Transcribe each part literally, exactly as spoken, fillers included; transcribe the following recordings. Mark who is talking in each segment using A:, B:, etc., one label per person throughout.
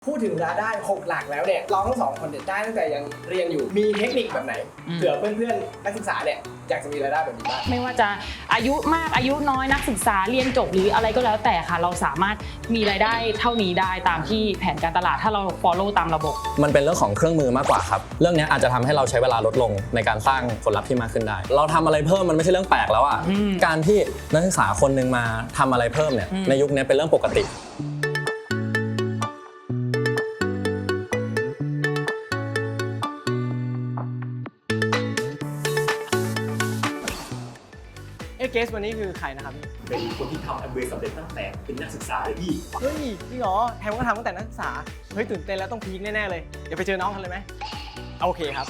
A: พูดถึงรายได้หกหลักแล้วเนี่ยเราทั้งสองคนเนี่ยได้ตั้งแต่ยังเรียนอยู่มีเทคนิคแบบไหนเผื่อเพื่อนๆนักศึกษาเนี่ยอยากจะมีรายได้แบบนี้บ้าง
B: ไม่ว่าจะอายุมากอายุน้อยนักศึกษาเรียนจบหรืออะไรก็แล้วแต่ค่ะเราสามารถมีรายได้เท่านี้ได้ตามที่แผนการตลาดถ้าเรา follow ตามระบบ
C: มันเป็นเรื่องของเครื่องมือมากกว่าครับเรื่องนี้อาจจะทำให้เราใช้เวลาลดลงในการสร้างผลลัพธ์ที่มากขึ้นได้เราทำอะไรเพิ่มมันไม่ใช่เรื่องแปลกแล้วอ่ะการที่นักศึกษาคนนึงมาทำอะไรเพิ่มเนี่ยในยุคนี้เป็นเรื่องปกติ
A: เอเกสวันนี้คือใครนะครับเป็นคนที่ทำแอมเวย์สำเร็จตั้งแต่เป็นนักศึกษาเลยพี่เฮ้ยจริงเหรอแฮมก็ทำตั้งแต่นักศึกษาเฮ้ยตื่นเต้นแล้วต้องพีคแน่ๆเลยเดี๋ยวไปเจอน้องกันเลยไหมโอเคครับ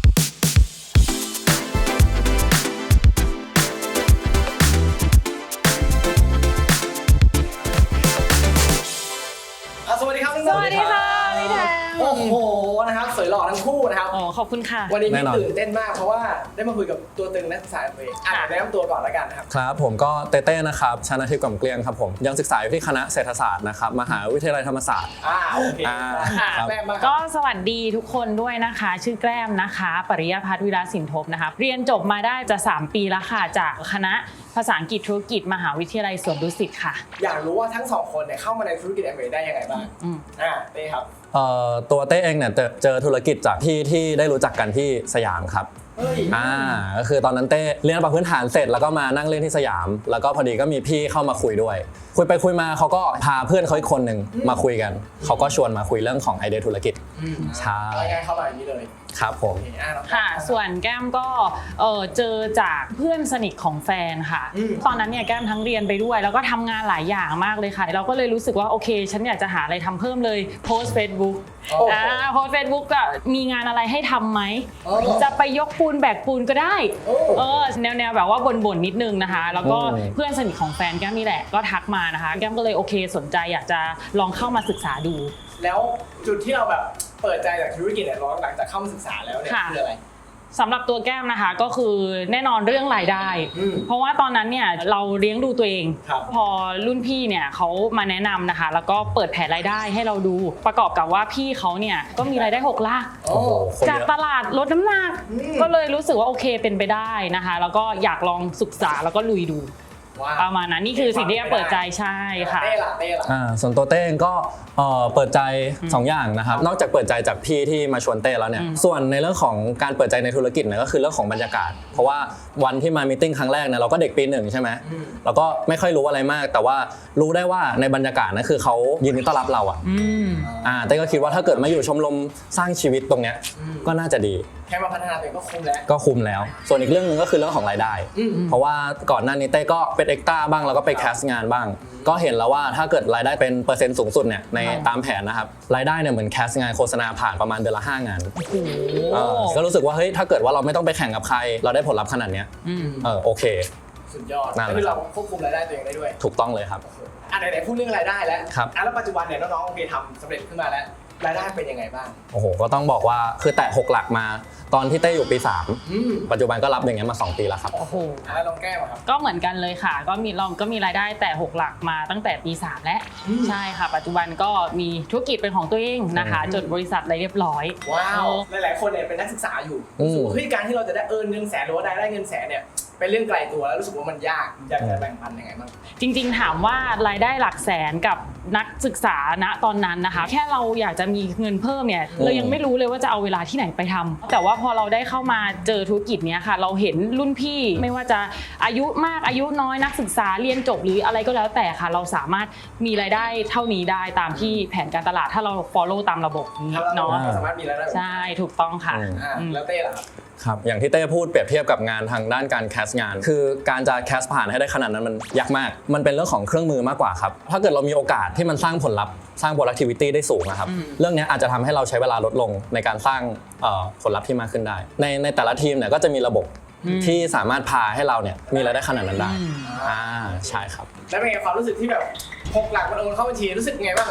A: สวัสดีครับ
B: สวัสดีค่ะพี่แทน
A: โอ้โหนะครับสวยหล่อทั้งคู่นะครับ
B: อ๋อขอบคุณค่ะ
A: วันนี้พี่ตื่นเต้นมากเพราะว่าได้มาคุยกับตัวตึงนักศึกษาเองอ่ะแนะนำตัวก่อนแล้วกันนะครับ
C: ครับผมก็เต้เต้นะครับชนะทิพย์กล่อมเกลียงครับผมยังศึกษาอยู่ที่คณะเศรษฐศาสตร์นะครับมหาวิทยาลัยธรรมศาสตร์
A: อ่าโอเค
B: แก้มก็สวัสดีทุกคนด้วยนะคะชื่อแก้มนะคะปริยพัฒน์วิราสินทบนะคะเรียนจบมาได้จะสามปีแล้วค่ะจากคณะภาษาอังกฤษธุรกิจมหาวิทยาลัยสวนดุสิตค่ะ
A: อยากรู้ว่าทั้งสองคนเนี่ยเข้ามาในธุรกิจแอมเวย์ได้ยังไงบ้างอ่าเต้ครับ
C: ตัวเต้เองเนี่ยเจอธุรกิจจากที่ที่ได้รู้จักกันที่สยามครับอ่าก็คือตอนนั้นเต้เรียนประพื้นฐานเสร็จแล้วก็มานั่งเล่นที่สยามแล้วก็พอดีก็มีพี่เข้ามาคุยด้วยคุยไปคุยมาเขาก็พาเพื่อนเขาอีกคนหนึ่งมาคุยกันเขาก็ชวนมาคุยเรื่องของไอเดียธุรกิจ
A: ใช่ง่ายเข้ามาอย่างนี้เลย
C: ครับผม
B: ค่ะส่วนแก้มก็เออเจอจากเพื่อนสนิทของแฟนค่ะตอนนั้นเนี่ยแก้มทั้งเรียนไปด้วยแล้วก็ทำงานหลายอย่างมากเลยค่ะเราก็เลยรู้สึกว่าโอเคฉันอยากจะหาอะไรทำเพิ่มเลยโพสต์ Facebook อ่าโพสต์ Facebook ก็มีงานอะไรให้ทำไหมจะไปยกปูนแบกปูนก็ได้เออแนวแนวแบบว่าบ่นๆนิดนึงนะคะแล้วก็เพื่อนสนิทของแฟนแก้มนี่แหละก็ทักมานะคะแก้มก็เลยโอเคสนใจอยากจะลองเข้ามาศึกษาดู
A: แล้วจุดที่เราแบบเปิดใจจากธุรกิจเนี่ยหลังจากเข้ามาศึกษาแล้วเนี่ยคืออะไร
B: สำหรับตัวแก้มนะคะก็คือแน่นอนเรื่องรายได้เพราะว่าตอนนั้นเนี่ยเราเลี้ยงดูตัวเองพอรุ่นพี่เนี่ยเขามาแนะนำนะคะแล้วก็เปิดแผนรายได้ให้เราดูประกอบกับว่าพี่เขาเนี่ยก็มีรายได้หกหลักจากตลาดลดน้ำหนักก็เลยรู้สึกว่าโอเคเป็นไปได้นะคะแล้วก็อยากลองศึกษาแล้วก็ลุยดูประมาณนั้นนี่คือสิ่งที่เปิดใจใช่ค่ะ
A: เต้ล่ะเต้ล่ะ
C: อ่าส่วนตัวเต้เองก็เปิดใจสองอย่างนะครับนอกจากเปิดใจจากพี่ที่มาชวนเต้แล้วเนี่ยส่วนในเรื่องของการเปิดใจในธุรกิจเนี่ยก็คือเรื่องของบรรยากาศเพราะว่าวันที่มามีตติ้งครั้งแรกเนี่ยเราก็เด็กปีหนึ่งใช่ไหมเราก็ไม่ค่อยรู้อะไรมากแต่ว่ารู้ได้ว่าในบรรยากาศนั่นคือเขายินดีต้อนรับเราอ่ะอ่าเต้ก็คิดว่าถ้าเกิดมาอยู่ชมรมสร้างชีวิตตรงเนี้ยก็น่าจะดี
A: แค่มาพัฒนาตัวเองก็คุ้มแล้ว
C: ก็คุ้มแล้วส่วนอีกเรื่องนึงก็คือเรื่องของรายได้เพราะว่าก่อนหน้านี้เต้ก็เป็นเอ็กต้าบ้างแล้วก็ไปแคสงานบ้างก็เห็นแล้วว่าถ้าเกิดรายได้เป็นเปอร์เซ็นต์สูงสุดเนี่ยในตามแผนนะครับรายได้เนี่ยเหมือนแคสงานโฆษณาผ่านประมาณเดือนละห้างานก็รู้สึกว่าเฮ้ยถ้าเกิดว่าเราไม่ต้องไปแข่งกับใครเราได้ผลลัพธ์ขนาดนี้เออโอเค
A: สุดยอดคือเราควบคุมรายได้ตัวเองได้ด้วย
C: ถูกต้องเลยครับ
A: อ่ะไหนๆพูดเรื่องรายได้แล้วอ่ะแล้วปัจจุบันเนี่ยน้องๆโอเคทำสำเร็จขึ้นมาแล้วรายได้เป็นยังไงบ้าง
C: โอ้โหก็ต้องบอกว่าคือแตะหกหลักมาตอนที่เต้อยู่ปีสามปัจจุบันก็รับอย่างเงี้ยมาสองปีแล้วครับ
B: โอ้โห
A: แล้วลองแก้มาครับ
B: ก็เหมือนกันเลยค่ะก็มีเราก็มีรายได้แต่หกหลักมาตั้งแต่ปีสามแล้วใช่ค่ะปัจจุบันก็มีธุรกิจเป็นของตัวเองนะคะจดบริษัทอะไรเรียบร้อย
A: ว้าวหลายๆคนเนี่ยเป็นนักศึกษาอยู่รู้สึกว่าเฮ้ยการที่เราจะได้เอิร์นเงินแสนหรือว่าได้ได้เงินแสนเนี่ยเป็นเรื่องไกลตัวแล้วรู้สึกว่ามันยากอยากจะแบ่งปันยังไงบ้าง
B: จริงๆถามว่ารายได้หลักแสนกับนักศึกษาณตอนนั้นนะคะแค่เราอยากจะมีเงินเพิ่มเนี่ยเรายังไม่รู้เลยว่าจะเอาเวลาที่ไหนไปทำแต่ว่าพอเราได้เข้ามาเจอธุรกิจเนี้ยค่ะเราเห็นรุ่นพี่ไม่ว่าจะอายุมากอายุน้อยนักศึกษาเรียนจบหรืออะไรก็แล้วแต่ค่ะเราสามารถมีรายได้เท่านี้ได้ตามที่แผนการตลาดถ้าเรา follow ตามระบบนี้เนาะ
A: สามารถมีรายได้
B: ใช่ถูกต้องค่ะ
A: แล้วเต้ล่ะ
C: ครับอย่างที่เต้พูดเปรียบเทียบกับงานทางด้านการแคสงานคือการจะแคสผ่านให้ได้ขนาดนั้นมันยากมากมันเป็นเรื่องของเครื่องมือมากกว่าครับถ้าเกิดเรามีโอกาสที่มันสร้างผลลัพธ์สร้าง productivity ได้สูงนะครับเรื่องนี้อาจจะทำให้เราใช้เวลาลดลงในการสร้างผลลัพธ์ที่มากขึ้นได้ในในแต่ละทีมเนี่ยก็จะมีระบบที่สามารถพาให้เราเนี่ยมีรายได้ขนาดนั้นได้อ่าใช่ครับ
A: แล้วเป็นไงความรู้สึกที่แบบหกหลักมันโอนเข้าบัญชีรู้สึกไงบ้าง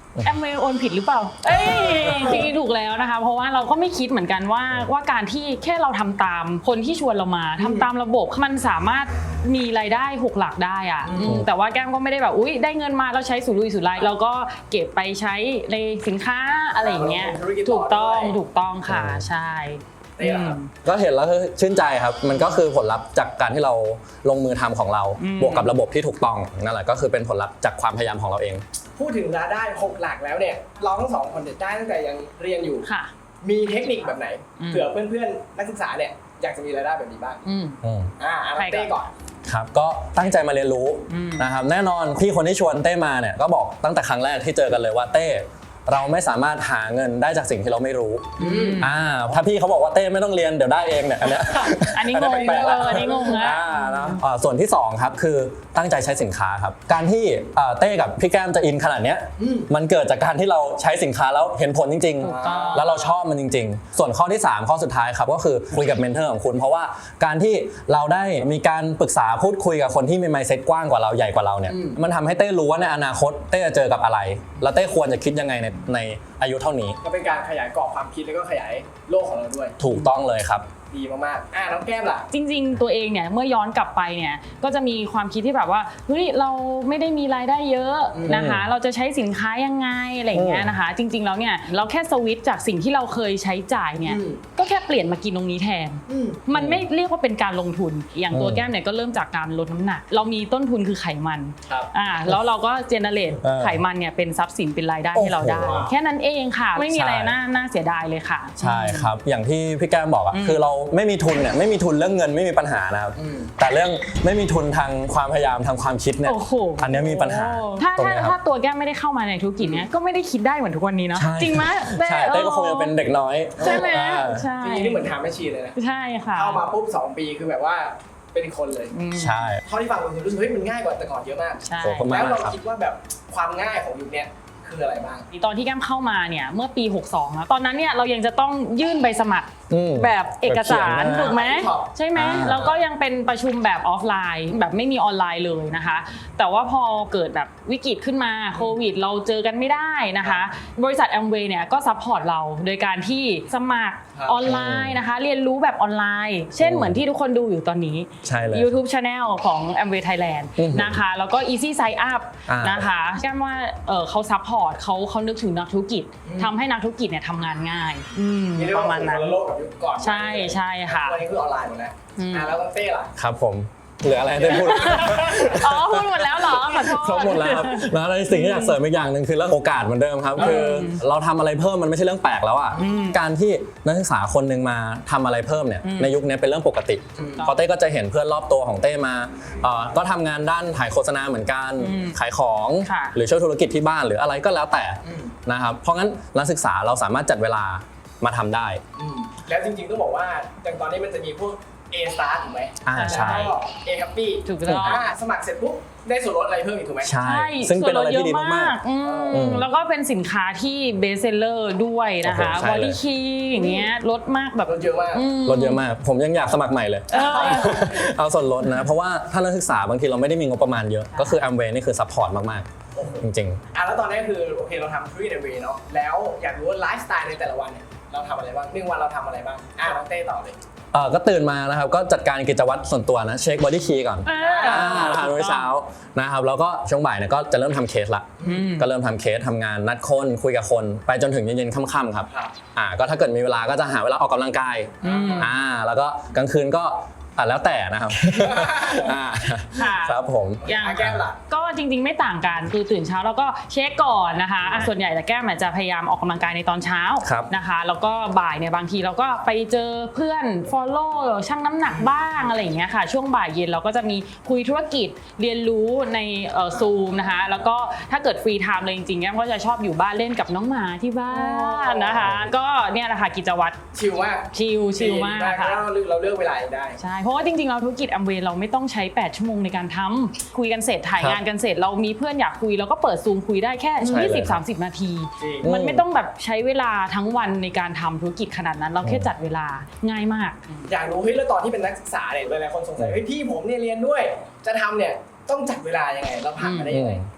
B: แอมเวย์โอนผิดหรือเปล่าเอ้ยจริงๆถูกแล้วนะคะเพราะว่าเราก็ไม่คิดเหมือนกันว่าว่าการที่แค่เราทำตามคนที่ชวนเรามาทำตามระบบมันสามารถมีรายได้หกหลักได้อะแต่ว่าแก้มก็ไม่ได้แบบอุ้ยได้เงินมาแล้วใช้สุรุ่ยสุร่ายเราก็เก็บไปใช้ในสินค้าอะไรอย่างเงี้ยถูกต้องถูกต้องค่ะใช่
C: ก็เห็นแล้วชื่นใจครับมันก็คือผลลัพธ์จากการที่เราลงมือทำของเราบวกกับระบบที่ถูกต้องนั่นแหละก็คือเป็นผลลัพธ์จากความพยายามของเราเอง
A: พูดถึงรายได้หกหลักแล้วเนี่ยเราทั้งสองคนได้ตั้งแต่ยังเรียนอยู่มีเทคนิคแบบไหนเผื่อเพื่อนๆนักศึกษาเนี่ยอยากจะมีรายได้แบบนี้บ้างอ่าเต้ก่อน
C: ครับก็ตั้งใจมาเรียนรู้นะครับแน่นอนพี่คนที่ชวนเต้มาเนี่ยก็บอกตั้งแต่ครั้งแรกที่เจอกันเลยว่าเต้เราไม่สามารถหาเงินได้จากสิ่งที่เราไม่รู้อ่าถ้าพี่เขาบอกว่าเต้ไม่ต้องเรียนเดี๋ยวได้เองเนี่ยอันเนี้ย
B: อันนี้งงเอออันนี้งงนะ
C: อ่าแล้วส่วนที่สองครับคือตั้งใจใช้สินค้าครับการที่เต้กับพี่แก้มจะอินขนาดเนี้ยมันเกิดจากการที่เราใช้สินค้าแล้วเห็นผลจริงๆแล้วเราชอบมันจริงๆส่วนข้อที่สามข้อสุดท้ายครับก็คือคุยกับเมนเทอร์ของคุณเพราะว่าการที่เราได้มีการปรึกษาพูดคุยกับคนที่มีไมซ์เซ็ตกว้างกว่าเราใหญ่กว่าเราเนี่ยมันทำให้เต้รู้ว่าในอนาคตเต้จะเจอกับอะไรแล้วเต้ควรจะคิดยังไงในในอายุเท่านี้
A: ก็เป็นการขยายกรอบความคิดแล้วก็ขยายโลกของเราด้วย
C: ถูกต้องเลยครับ
A: ดีมากๆอ่ะน้องแก้มล่ะ
B: จริงๆตัวเองเนี่ยเมื่อย้อนกลับไปเนี่ยก็จะมีความคิดที่แบบว่าเฮ้ยเราไม่ได้มีรายได้เยอะนะคะเราจะใช้สินค้ายังไงอะไรอย่างเงี้ยนะคะจริงๆแล้วเนี่ยเราแค่สวิตช์จากสิ่งที่เราเคยใช้จ่ายเนี่ยก็แค่เปลี่ยนมากินตรงนี้แทนมันไม่เรียกว่าเป็นการลงทุนอย่างตัวแก้มเนี่ยก็เริ่มจากการลดน้ำหนักเรามีต้นทุนคือไขมันอ่าแล้วเราก็เจเนเรตไขมันเนี่ยเป็นทรัพย์สินเป็นรายได้ให้เราได้แค่นั้นเองค่ะไม่มีอะไรน่าน่าเสียดายเลยค่ะ
C: ใช่ครับอย่างที่พี่แก้มบอกอ่ะคือเราไม่มีทุนเนี่ยไม่มีทุนเรื่องเงินไม่มีปัญหานะครับแต่เรื่องไม่มีทุนทางความพยายามทางความคิดเนี่ยอันนี้มีปัญหา
B: ถ้าถ้าถ้าตัวแก้มไม่ได้เข้ามาในธุรกิจเนี้ยก็ไม่ได้คิดได้เหมือนทุกวันนี้เนาะจริงไหม
C: ใช่เต้ก็คงยังเป็นเด็กน้อย
B: ใช่ไหมใช่
A: จริงๆนี่เหมือนทำแม่ชีเลยนะ
B: ใช่ค่ะ
A: เข้ามาปุ๊บสองปีคือแบบว่าเป็นคนเลย
C: ใช่
A: เท่าที่ฟังคุณรู้สึกเฮ้ยมันง่ายกว่าแต่ก่อนเยอะมากแล้วเราคิดว่าแบบความง่ายของยุคนี้คืออะไรบ้าง
B: ตอนที่แก้มเข้ามาเนี่ยเมื่อปีหกสองแล้วตอนนั้นเนี่ยเรายังจะต้องยื่นใบสมัครแบบเอกสารถูกไหมใช่ไหมแล้วก็ยังเป็นประชุมแบบออฟไลน์แบบไม่มีออนไลน์เลยนะคะแต่ว่าพอเกิดแบบวิกฤตขึ้นมาโควิดเราเจอกันไม่ได้นะคะบริษัทแอมเวย์เนี่ยก็ซัพพอร์ตเราโดยการที่สมัครออนไลน์นะคะเรียนรู้แบบออนไลน์เช่นเหมือนที่ทุกคนดูอยู่ตอนนี้ YouTube Channel ของ Amway Thailand นะคะแล้วก็ Easy Sign Up นะคะแก้มว่าเขาซัพพอร์ตเขาเขานึกถึงนักธุรกิจทำให้นักธุรกิจเนี่ยทำงานง่ายประมาณนั้นใช่ใช่ค่ะ
A: วันนี้คือออนไลน์หมดแล้วแล้วเต้ล่ะ
C: ครับผมเหลืออะไรได้พูด
B: อ๋อพูดหมดแล้วเหรอขอโทษ
C: ครบหมดแล้วครับแล้วในสิ่งที่อยากเสริมอีกอย่างหนึ่งคือเรื่องโอกาสเหมือนเดิมครับคือเราทำอะไรเพิ่มมันไม่ใช่เรื่องแปลกแล้วอ่ะการที่นักศึกษาคนนึงมาทำอะไรเพิ่มเนี่ยในยุคนี้เป็นเรื่องปกติพอเต้ก็จะเห็นเพื่อนรอบตัวของเต้มาก็ทำงานด้านถ่ายโฆษณาเหมือนกันขายของหรือช่วยธุรกิจที่บ้านหรืออะไรก็แล้วแต่นะครับเพราะงั้นนักศึกษาเราสามารถจัดเวลามาทำได้
A: แล้วจริงๆต้องบอกว่าอย่างตอนนี้มันจะมีพวกA Star ถูกไหม
C: อ่าใช่
A: A Happy
B: ถูกต้อง
A: สมัครเสร็จปุ๊บได้ส่วนลดอะไรเพิ่มอีกถูกไหม
C: ใช่ซึ่งเป็นอะไรที่ดีมาก
B: ๆแล้วก็เป็นสินค้าที่เบสเซลเลอร์ด้วยนะคะบอดี้คีอย่างเงี้ยลดมากแบบ
A: ลดเยอะมาก
C: ลดเยอะมากผมยังอยากสมัครใหม่เลยเอาส่วนลดนะเพราะว่าถ้านักศึกษาบางทีเราไม่ได้มีงบประมาณเยอะก็คือ Amway นี่คือซัพพอร์ตมากๆจริง
A: ๆอ่ะแล้วตอนนี้คือโอเคเราทำธุรกิจ Amway เนาะแล้วอยากรู้ว่าไลฟ์สไตล์ในแต่ละวันเนี่ยเราทำอะไรบ้างหนึ่งวันเราทำอะไรบ้างอ่ะน้องเต้ต่อเลย
C: เออก็ตื่นมานะครับก็จัดการกิจวัตรส่วนตัวนะเช็คบอดี้คีย์ก่อนทานมื้อเช้านะครับแล้วก็ช่วงบ่ายเนี่ยก็จะเริ่มทำเคสละก็เริ่มทำเคสทำงานนัดคนคุยกับคนไปจนถึงเย็นๆค่ำๆครับอ่าก็ถ้าเกิดมีเวลาก็จะหาเวลาออกกำลังกายอ่าแล้วก็กลางคืนก็อ่ะแล้วแต่นะครับครับผม
A: อย่างแก้มล่ะ
B: ก็จริงๆไม่ต่างกันคือตื่นเช้าแล้วก็เช็คก่อนนะคะส่วนใหญ่แต่แก้มจะพยายามออกกำลังกายในตอนเช้านะคะแล้วก็บ่ายเนี่ยบางทีเราก็ไปเจอเพื่อน follow ชั่งน้ำหนักบ้างอะไรอย่างเงี้ยค่ะช่วงบ่ายเย็นเราก็จะมีคุยธุรกิจเรียนรู้ในซูมนะคะแล้วก็ถ้าเกิดฟรีไทม์เลยจริงๆแก้มก็จะชอบอยู่บ้านเล่นกับน้องหมาที่บ้านนะคะก็เนี่ยแหละค่ะกิจวัตร
A: ชิลมาก
B: ชิลชิลมากค่ะ
A: เราเลือกเวลาได้
B: ใช่เพราะว่าจริงๆเราธุรกิจ Amway เราไม่ต้องใช้แปดชั่วโมงในการทำคุยกันเสร็จถ่ายงานกันเสร็จเรามีเพื่อนอยากคุยเราก็เปิดซูมคุยได้แค่ ยี่สิบถึงสามสิบ นาทีมันไม่ต้องแบบใช้เวลาทั้งวันในการทำธุรกิจขนาดนั้นเราแค่จัดเวลาง่ายมาก
A: อยากรู้เฮ้ยแล้วตอนที่เป็นนักศึกษาเนี่ยหลายๆคนสงสัยเฮ้ยพี่ผมเนี่ยเรียนด้วยจะทำเนี่ยต้องจัดเวลายังไงเราผ่านมาได้ยังไง
B: ค่ะ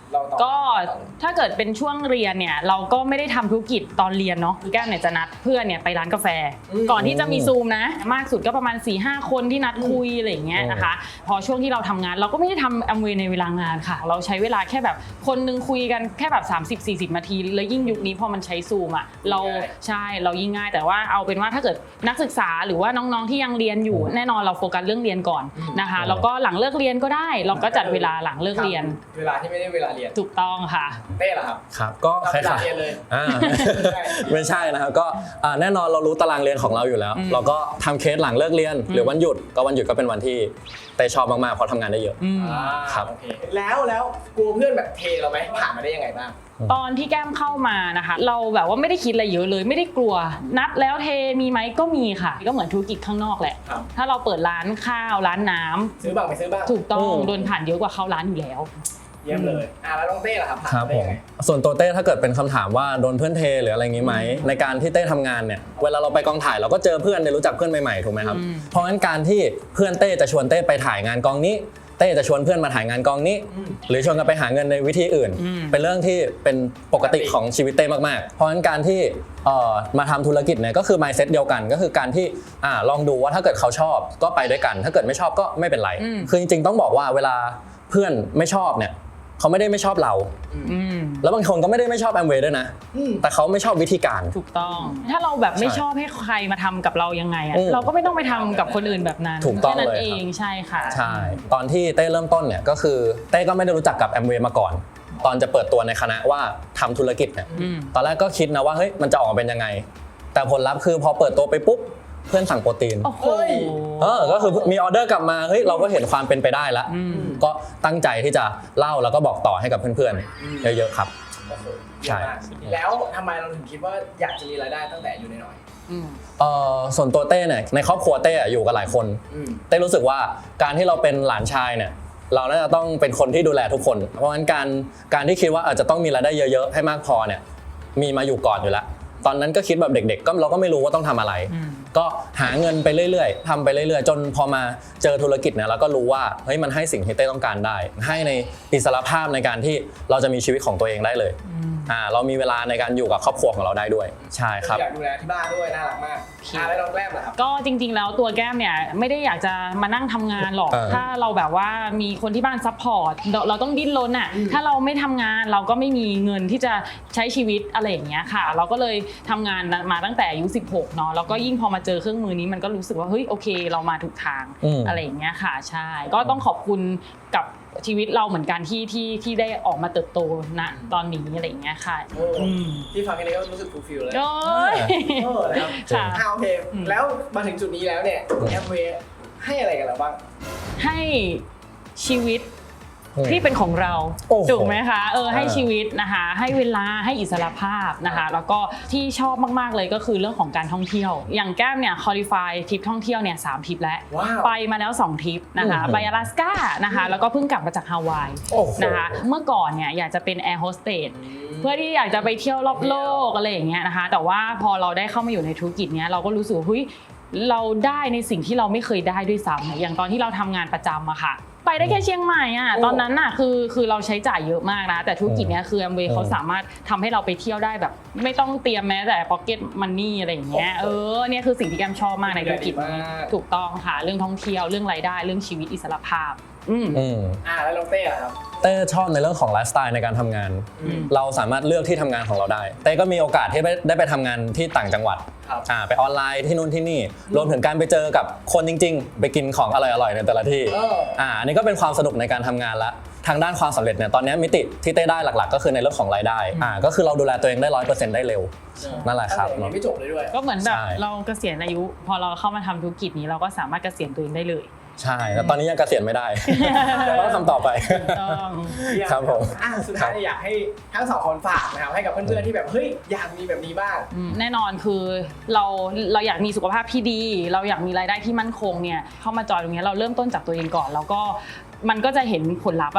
A: เราต่อ
B: ก็ถ้าเกิดเป็นช่วงเรียนเนี่ยเราก็ไม่ได้ทำธุรกิจตอนเรียนเนาะแก้มเนี่ยจะนัดเพื่อนเนี่ยไปร้านกาแฟ ก่อนที่จะมีซูมนะมากสุดก็ประมาณ สี่ห้า คนที่นัดคุยอะไรอย่างเงี้ยนะคะพอช่วงที่เราทำงานเราก็ไม่ได้ทำแอมเวย์ในเวลางานค่ะเราใช้เวลาแค่แบบคนนึงคุยกันแค่แบบ สามสิบสี่สิบ นาทีแล้วยิ่งยุคนี้พอมันใช้ซูมอ่ะเราใช่เรายิ่งง่ายแต่ว่าเอาเป็นว่าถ้าเกิดนักศึกษาหรือว่าน้องๆที่ยังเรียนอยู่แน่นอนเราโฟกัสเรื่องเรียนก่อนนะคะแล้วก็หลังเลิกเรียนก็ได้เราก็จัดเวลาหลังเลิกเรียน
A: เวลาที่ไม่ได้เวลาเรียน
B: ถูกต้องค่ะ
A: เต้เหรอครับ
C: ครับก็คล้ายๆ
A: เรียนเลย
C: อ่าไม่ใช่นะครับก็แน่นอนเรารู้ตารางเรียนของเราอยู่แล้วเราก็ทำเคสหลังเลิกเรียนหรือวันหยุดก็วันหยุดก็เป็นวันที่เต้ชอบมากๆเพราะทำงานได้เยอะครับ
A: โอเคแล้วแล้วกลัวเพื่อนแบบเทเราไหมผ่านมาได้ยังไงบ้าง
B: ตอนที่แก้มเข้ามานะคะเราแบบว่าไม่ได้คิดอะไรเยอะเลยไม่ได้กลัวนัดแล้วเทมีไหมก็มีค่ะก็เหมือนธุรกิจข้างนอกแหละถ้าเราเปิดร้านข้าวร้านน้ำ
A: ซื้อบ้างไม่ซื้อบ้าง
B: ถูกต้องโดนผ่านเยอะกว่าเข้าร้านอยู่แล้ว
A: เยี่ยมเลยอ่ะแล้วน้องเต้ล่ะครับ
C: ครับผมส่วนตัวเต้ถ้าเกิดเป็นคำถามว่าโดนเพื่อนเทหรืออะไรงี้ไหมในการที่เต้ทำงานเนี่ยเวลาเราไปกองถ่ายเราก็เจอเพื่อนได้รู้จักเพื่อนใหม่ๆถูกไหมครับเพราะงั้นการที่เพื่อนเต้จะชวนเต้ไปถ่ายงานกองนี้เต้จะชวนเพื่อนมาถ่ายงานกองนี้หรือชวนกันไปหาเงินในวิธีอื่นเป็นเรื่องที่เป็นปกติของชีวิตเต้มากๆเพราะฉะนั้นการที่มาทำธุรกิจเนี่ยก็คือ mindset เดียวกันก็คือการที่ลองดูว่าถ้าเกิดเขาชอบก็ไปด้วยกันถ้าเกิดไม่ชอบก็ไม่เป็นไรคือจริงๆต้องบอกว่าเวลาเพื่อนไม่ชอบเนี่ยเขาไม่ได้ไม่ชอบเราแล้วบางคนก็ไม่ได้ไม่ชอบแอมเวย์ด้วยนะแต่เขาไม่ชอบวิธีการ
B: ถูกต้องถ้าเราแบบไม่ชอบให้ใครมาทำกับเรายังไงอ่ะเราก็ไม่ต้องไปทำกับคนอื่นแบบนั้น
C: ถูกต้องเลย
B: เองใช่ค่ะ
C: ใช่ตอนที่เต้เริ่มต้นเนี่ยก็คือเต้ก็ไม่ได้รู้จักกับแอมเวย์มาก่อนตอนจะเปิดตัวในคณะว่าทำธุรกิจเนี่ยตอนแรกก็คิดนะว่าเฮ้ยมันจะออกมาเป็นยังไงแต่ผลลัพธ์คือพอเปิดตัวไปปุ๊บเพื่อนสั่งโปรตีนเออก็คือมีออเดอร์กลับมาเฮ้ยเราก็เห็นความเป็นไปได้แล้วก็ตั้งใจที่จะเล่าแล้วก็บอกต่อให้กับเพื่อนๆเยอะๆครับ
A: ใช่แล้วทำไมเราถึงคิดว่าอยากจะมีรายได้ตั้งแต่อยู่น้อย
C: เออส่วนตัวเต้เนี่ยในครอบครัวเต้อยู่กับหลายคนเต้รู้สึกว่าการที่เราเป็นหลานชายเนี่ยเราน่าจะต้องเป็นคนที่ดูแลทุกคนเพราะงั้นการการที่คิดว่าอาจจะต้องมีรายได้เยอะๆให้มากพอเนี่ยมีมาอยู่ก่อนอยู่แล้วตอนนั้นก็คิดแบบเด็กๆก็เราก็ไม่รู้ว่าต้องทำอะไรก็หาเงินไปเรื่อยๆทำไปเรื่อยๆจนพอมาเจอธุรกิจเนี่ยเราก็รู้ว่าเฮ้ยมันให้สิ่งที่เต้ต้องการได้ให้ในอิสรภาพในการที่เราจะมีชีวิตของตัวเองได้เลยอ่าเรามีเวลาในการอยู่กับครอบครัวของเราได้ด้วยใช่ครับ
A: อยากดูแลที่บ้านด้วยน่ารักมากอ่าแล้วน้องแก้มล่ะครับ
B: ก็จริงๆแล้วตัวแก้มเนี่ยไม่ได้อยากจะมานั่งทำงานหรอกถ้าเราแบบว่ามีคนที่บ้านซัพพอร์ตเราต้องดิ้นรนอ่ะถ้าเราไม่ทำงานเราก็ไม่มีเงินที่จะใช้ชีวิตอะไรอย่างเงี้ยค่ะเราก็เลยทำงานมาตั้งแต่อายุสิบหกเนาะแล้วก็ยิ่งพอมาเจอเครื่องมือนี้มันก็รู้สึกว่าเฮ้ยโอเคเรามาถูกทางอะไรอย่างเงี้ยค่ะใช่ก็ต้องขอบคุณกับชีวิตเราเหมือนกันที่ที่ที่ได้ออกมาเติบโตณตอนนี้อะไรอย่างเงี้ยค่ะ
A: ที่ฟังแค่นี้ก็รู้สึกฟูลฟิลเลย
B: โอ้ย
A: แล้วค่ะโอเคแล้วมาถึงจุดนี้แล้วเนี่ยแอมเวย์ให้อะไรกันเราบ้าง
B: ให้ชีวิตที่เป็นของเราถูกไหมคะเออให้ชีวิตนะคะให้เวลาให้อิสรภาพนะคะแล้วก็ที่ชอบมากๆเลยก็คือเรื่องของการท่องเที่ยวอย่างแก้มเนี่ยคอลิฟายทริปท่องเที่ยวเนี่ยสามทริปแล้วไปมาแล้วสองทริปนะคะไป阿拉斯ก้านะคะแล้วก็เพิ่งกลับมาจากฮาวายนะคะเมื่อก่อนเนี่ยอยากจะเป็นแอร์โฮสเตสเพื่อที่อยากจะไปเที่ยวรอบโลกอะไรอย่างเงี้ยนะคะแต่ว่าพอเราได้เข้ามาอยู่ในธุรกิจเนี้ยเราก็รู้สึกว่าเฮ้ยเราได้ในสิ่งที่เราไม่เคยได้ด้วยซ้ำอย่างตอนที่เราทำงานประจำอะค่ะไปได้แค่เชียงใหม่อ่ะตอนนั้นน่ะคือคือเราใช้จ่ายเยอะมากนะแต่ธุรกิจเนี้ยคือแอมเวย์เขาสามารถทำให้เราไปเที่ยวได้แบบไม่ต้องเตรียมแม้แต่พ็อกเก็ตมันนี่อะไรอย่างเงี้ยเออเนี่ยคือสิ่งที่แกมชอบมากในธุรกิจนี้ถูกต้องค่ะเรื่องท่องเที่ยวเรื่องรายได้เรื่องชีวิตอิสรภาพอืม
A: อ่าแล้วน้องเต้อะครับ
C: เต้ชอบในเรื่องของไลฟ์สไตล์ในการทำงานเราสามารถเลือกที่ทำงานของเราได้เต้ก็มีโอกาสที่ได้ไปทำงานที่ต่างจังหวัดอ่าไปออนไลน์ที่นู่นที่นี่รวมถึงการไปเจอกับคนจริงๆไปกินของอร่อยๆในแต่ละที่อ่าอันนี้ก็เป็นความสนุกในการทำงานละทางด้านความสำเร็จเนี่ยตอนนี้มิติที่เต้ได้หลักๆก็คือในเรื่องของรายได้อ่าก็คือเราดูแลตัวเองได้ ร้อยเปอร์เซ็นต์ ได้เร็วนั่นแหละครับ
A: ไม่จบเลยด้วย
B: ก็เหมือนแบบเราเกษียณอายุพอเราเข้ามาทำธุรกิจนี้เราก็สามารถเกษียณตัวเองได้เลย
C: ใช่แต่ตอนนี้ยังเกษียณไม่ได้ต้องทำต่อไปครับผม
A: สุดท้ายอยากให้ทั้งสองคนฝากนะครับให้กับเพื่อนๆที่แบบเฮ้ยอยากมีแบบนี้บ้าง
B: แน่นอนคือเราเราอยากมีสุขภาพที่ดีเราอยากมีรายได้ที่มั่นคงเนี่ยเข้ามาจอยตรงนี้เราเริ่มต้นจากตัวเองก่อนแล้วก็มันก็จะเห็นผลลัพธ์อะ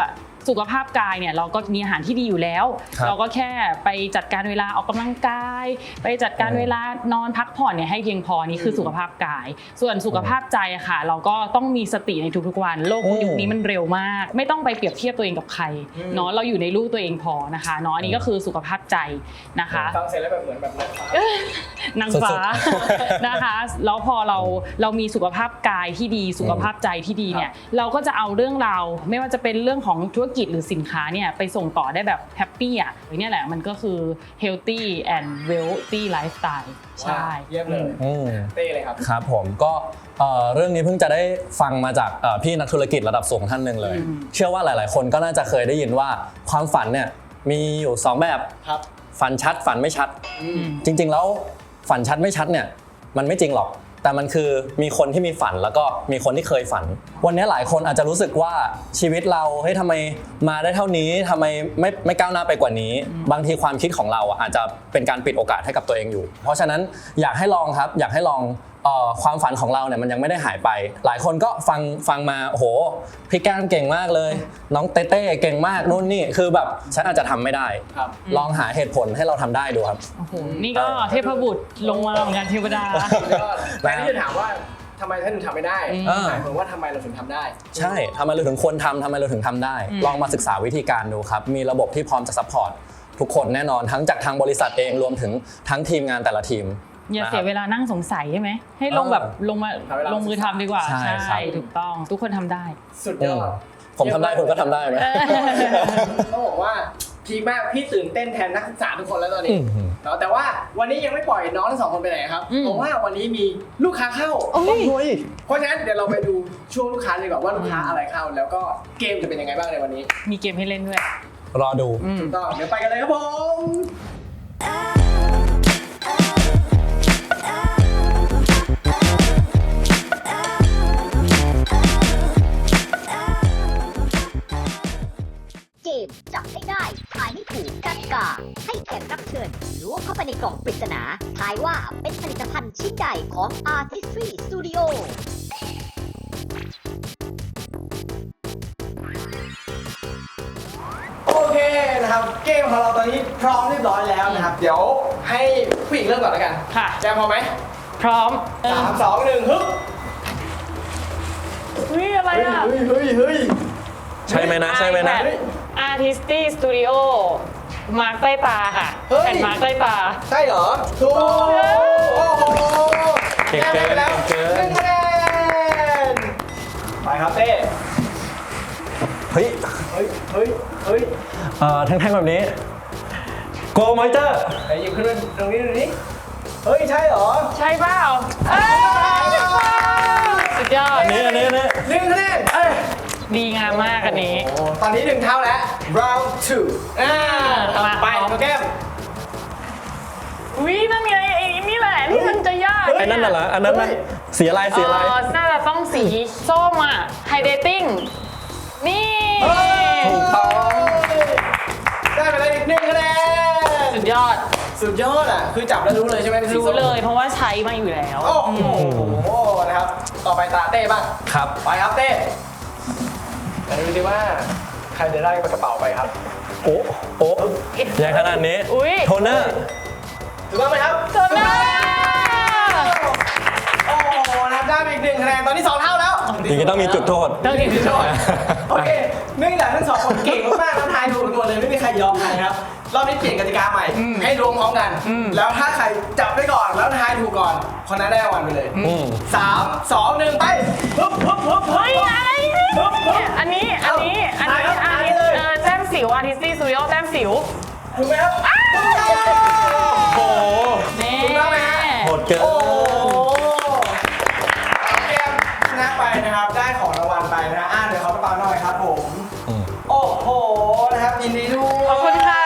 B: สุขภาพกายเนี่ยเราก็มีอาหารที่ดีอยู่แล้ว เราก็แค่ไปจัดการเวลาออกกำลังกายไปจัดการเวลานอนพักผ่อนเนี่ยให้เพียงพอนี่คือสุขภาพกายส่วนสุขภาพใจอะค่ะเราก็ต้องมีสติในทุกๆวันโลกยุคนี้มันเร็วมากไม่ต้องไปเปรียบเทียบตัวเองกับใครเนาะเราอยู่ในลูกตัวเองพอนะคะเนาะอันนี้ก็คือสุขภาพใจนะคะ
A: ฟังเสร็จแล้วแบบเหมือนแบบนางฟ้าน
B: างฟ้านะคะแล้วพอเราเรามีสุขภาพกายที่ดีสุขภาพใจที่ดีเนี่ยเราก็จะเอาเรื่องราวไม่ว่าจะเป็นเรื่องของธุรกิจหรือสินค้าเนี่ยไปส่งต่อได้แบบแฮปปี้อ่ะเนี่ยแหละมันก็คือ healthy and wealthy lifestyle ใช่
A: เยี่ยมเลยเต้เลยครับ
C: ครับผมก็เรื่องนี้เพิ่งจะได้ฟังมาจากพี่นักธุรกิจระดับสูงท่านหนึ่งเลยเชื่อว่าหลายๆคนก็น่าจะเคยได้ยินว่าความฝันเนี่ยมีอยู่สองแบบฝันชัดฝันไม่ชัดจริงๆแล้วฝันชัดไม่ชัดเนี่ยมันไม่จริงหรอกแต่มันคือมีคนที่มีฝันแล้วก็มีคนที่เคยฝันวันนี้หลายคนอาจจะรู้สึกว่าชีวิตเราเฮ้ยทำไมมาได้เท่านี้ทำไมไม่ไม่ก้าวหน้าไปกว่านี้บางทีความคิดของเราอาจจะเป็นการปิดโอกาสให้กับตัวเองอยู่เพราะฉะนั้นอยากให้ลองครับอยากให้ลองความฝันของเราเนี่ยมันยังไม่ได้หายไปหลายคนก็ฟังฟังมาโอ้โหพี่แก้มเก่งมากเลยน้องเต้เต้เก่งมากนู่นนี่คือแบบฉันอาจจะทำไม่ได้ลองหาเหตุผลให้เราทำได้ดูครับ
B: โอ้โหนี่ก็เทพบุตรลงมาเหมือนกันเทวดา
A: แต่ที่จะถามว่าทำไมท่านถึงทำไม่ได้หมายถึงว่าทำไมเราถึงทำได้
C: ใช่ทำไมเราถึงควรทำทำไมเราถึงทำได้ลองมาศึกษาวิธีการดูครับมีระบบที่พร้อมจะซัพพอร์ตทุกคนแน่นอนทั้งจากทางบริษัทเองรวมถึงทั้งทีมงานแต่ละทีม
B: อย่าเสียเวลานั่งสงสัยใช่ไหไหมให้ลงแบบลงมาลงมือทำดีกว่าใช่ถูกต้องทุกคนทำได้
A: สุดยอด
C: ผมทำได้คุณก็ทำได้ไหม
A: ต้องบอกว่าพีคมากพี่ตื่นเต้นแทนนักศึกษาทุกคนแล้วตอนนี้แต่ว่าวันนี้ยังไม่ปล่อยน้องทั้งสองคนไปไหนครับเพราะว่าวันนี้มีลูกค้าเข้าเพราะฉะนั้นเดี๋ยวเราไปดูช่วงลูกค้าเลยก่อนว่าลูกค้าอะไรเข้าแล้วก็เกมจะเป็นยังไงบ้างในวันนี้
B: มีเกมให้เล่นด้วย
C: รอดู
A: ถูกต้องเดี๋ยวไปกันเลยครับผม
D: จับให้ได้ทายให้ถูกกติกาให้แขกรับเชิญล้วงเข้าไปในกล่องปริศนาทายว่าเป็นผลิตภัณฑ์ชิ้นใดของ Artistry Studio
A: โอเคนะครับเกมของเราตอนนี้พร้อมเรียบร้อยแล้วนะครับเดี๋ยวให้ผู้หญิงเริ่มก่อนแล้วกัน
B: ค่ะ
A: แจมพร้อมไหม
B: พร้อม
A: สามสองหนึ่งฮึบ
B: เฮ้ยอะไรอ่ะ
A: เฮ้ยเฮ้ยเฮ้ย
C: ใช่ไหมนะใช่ไหมนะ
B: Artistry Studio มาร์คใต้ตาค่ะแผ่นมาร์คใต้ตา
A: ใช่เหรอถูกโอ้โห
C: เก่งเกิน
A: แล้วหนึ่งคะแนนไปครับเต้
C: เฮ้ย
A: เฮ้ยเฮ้ยเฮ้ย
C: เอ่อแท่งๆแบบนี้ Go Moisture
A: ไหนหยิบขึ้นมาตรงนี้ดูนี่เฮ้ยใช่เหรอ
B: ใช่เปล่าสุดยอด
C: อันนี้อันนี้อันนี้
A: หนึ่งคะแนน
B: ดีงามมากอันนี้
A: ตอนนี้หนึ่งเท่าแล้ว round two อ่าไปโปรแกรม
B: วินั่นไงไอ้นี่แหละที่มันจะยาก
C: ไอ้นั่นน่ะเหรออันนั้นน่ะสีอะไรสีอะไร
B: น่าจะต้องสีส้มอ่ะ Hydrating นี่
C: ถูกต้อง
A: ได้ไปเลยอีกหนึ่งคะแนน
B: สุดยอด
A: สุดยอดอ่ะคือจับแล้วรู้เลยใช่ไหม
B: รู้เลยเพราะว่าใช้มาอยู่แล้ว
A: โอ้โหนะครับต่อไปตาเต้บ้าง
C: ครับ
A: ไปครับเต้มาดูสิว่าใครจะได้กระเป๋าไปครับ
C: โอ้โอ้ใหญ่ขนาดนี้โทนเนอร์
A: ถูกต้องไหมครับ
B: โทนเนอร์
A: โอ้โหนับได้อีกหนึ่งคะแนนตอนนี้สองเท่าแล้ว
C: จริงๆต้องมีจุดโทษ
A: ต้องมีจุดโทษโอเคเนื่องจากทั้งสองคนเก่งมากๆแล้วทายถูกหมดเลยไม่มีใครยอมใครครับรอบนี้เปลี่ยนกติกาใหม่ให้รวมพร้อมกันแล้วถ้าใครจับได้ก่อนแล้วทายถูกก่อนคนนั้นได้รางวัลไปเลยสามสองหนึ่งไปฮึบฮึบฮึบ
B: เฮ้ยอะไรอันนี้อันนี้อันนี้อันนี้เออแต้มสิว Artistry Studio แต้มสิว
A: ถูกไหมครับ
C: โอ้โห
A: ถูกต้องไหมฮะ
C: โหดเกิน
A: เกมชนะไปนะครับได้ของรางวัลไปนะอ่าเดี๋ยวเขาไปเป่าหน่อยครับผมโอ้โหนะครับยินดีด้วย
B: ขอบคุณค่ะ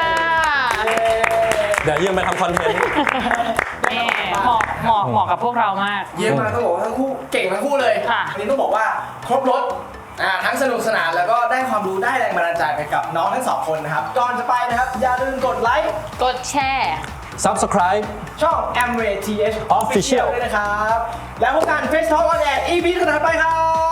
C: เดี๋ยวยืมไปทำคอนเทนต์
B: เหมาะเหมาะเหมาะกับพวกเรามาก
A: เยี่ยมมากต้องบอกว่าทั้งคู่เก่งทั้งคู่เลยอันนี้ต้องบอกว่าครบรถทั้งสนุกสนานแล้วก็ได้ความรู้ได้แรงบันดาลใจไปกับน้องทั้งสองคนนะครับก่อนจะไปนะครับอย่าลืมกดไลค์
B: กดแชร์
C: Subscribe
A: ช่อง Amway ที เอช Official ด้วยนะครับแล้วพบกัน Face Talk on Air อี พี ถัดไปครับ